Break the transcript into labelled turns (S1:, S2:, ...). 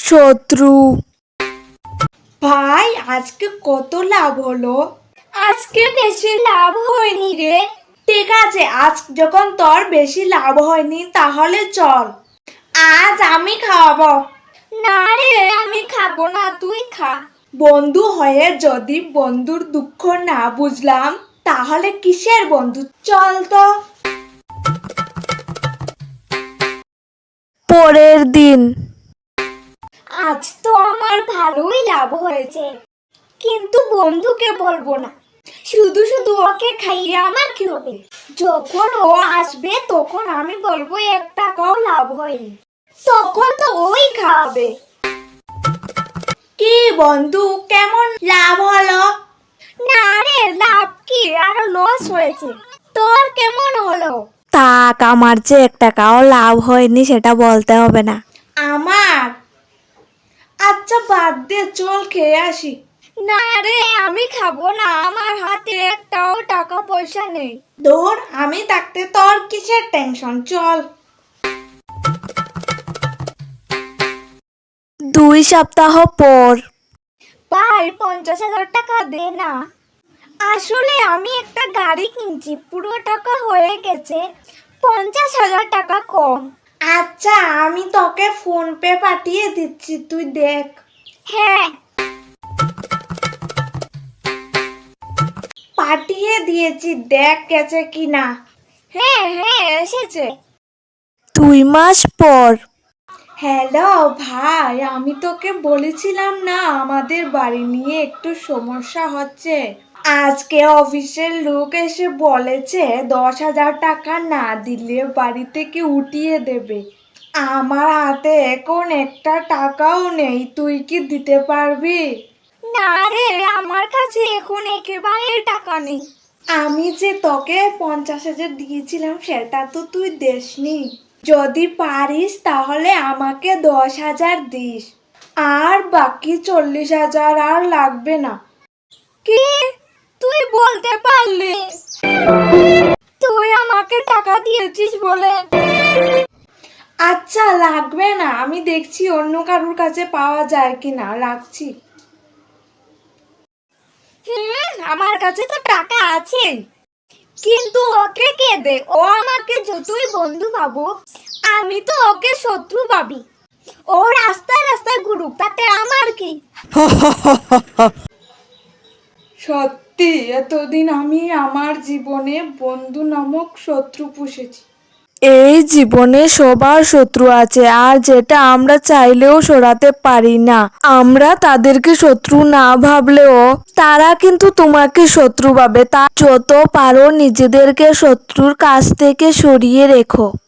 S1: শত্রু।
S2: ভাই আজকে কত লাভ হলো?
S3: আজকে বেশি লাভ হয়নি রে।
S2: ঠিক আছে, আজ যখন তোর বেশি লাভ হয়নি তাহলে চল, আজ আমি খাওয়াবো।
S3: না রে, আমি খাবো না, তুই খা।
S2: বন্ধু হয়ে যদি বন্ধুর দুঃখ না বুঝলাম তাহলে কিসের বন্ধু? চল তো।
S1: পরের দিন।
S3: আজ তো আমার ভালোই লাভ হয়েছে, কিন্তু বন্ধুকে বলবো না। শুধু শুধু ওকে খাইয়ে আমার কি হবে? যখন ও আসবে তখন আমি বলবো 1 টাকাও লাভ হয়নি, তখন তো ওই খাবে।
S2: কি বন্ধু, কেমন লাভ হলো?
S3: না রে, লাভ কি, আরো লস হয়েছে। তোর কেমন হলো?
S1: তাক, আমার যে 1 টাকাও লাভ হয়নি সেটা বলতে হবে না।
S2: আমার? আচ্ছা বাদ দে, চল খেয়ে আসি।
S3: না রে, আমি খাবো না, আমার হাতে একটাও টাকা পয়সা নেই।
S2: ধর, আমি থাকতে তোর কিসের টেনশন, চল।
S1: 2 সপ্তাহ পর।
S3: ভাই 50,000 টাকা দে না। আসলে আমি একটা গাড়ি কিনছি, পুরো টাকা হয়ে গেছে, 50,000 টাকা কম।
S2: আচ্ছা, আমি তোকে ফোন পে পাঠিয়ে দিচ্ছি, তুই দেখ।
S3: হ্যাঁ।
S2: পাঠিয়ে দিয়েছি, দেখ গেছে কিনা।
S3: হ্যাঁ হ্যাঁ, এসেছে।
S1: 2 মাস পর।
S2: হ্যালো ভাই, আমি তোকে বলেছিলাম না আমাদের বাড়ি নিয়ে একটু সমস্যা হচ্ছে। আজকে অফিসের লোক এসে বলেছে 10,000 টাকা না দিলে বাড়ি থেকে উঠিয়ে দেবে। আমার হাতে এখন একটা টাকাও নেই, তুই কি দিতে পারবি?
S3: না রে, আমার কাছে এখন একেবারে টাকা নেই।
S2: আমি যে তোকে 50,000 দিয়েছিলাম সেটা তো তুই দেসনি। যদি পারিস তাহলে আমাকে 10,000 দিস, আর বাকি 40,000 আর লাগবে না।
S3: কি, তুই বলতে পারলি? তুই আমাকে টাকা দিয়েছিস বলে?
S2: আচ্ছা লাগবে না, আমি দেখছি অন্য কারোর কাছে পাওয়া যায় কিনা, রাখছি।
S3: আমার কাছে তো টাকা আছে, কিন্তু ওকে কে দে? ও আমাকে যতই বন্ধু ভাবো, আমি তো ওকে শত্রু ভাবি। ও রাস্তায় রাস্তায় ঘুরুক, তাতে আমার কি?
S2: সত্যি এতদিন আমি আমার জীবনে বন্ধু নামক শত্রু পুষেছি।
S1: এই জীবনে সবার শত্রু আছে, আর যেটা আমরা চাইলেও সরাতে পারি না। আমরা তাদেরকে শত্রু না ভাবলেও তারা কিন্তু তোমাকে শত্রু ভাবে। তা যত পারো নিজেদেরকে শত্রুর কাছ থেকে সরিয়ে রেখো।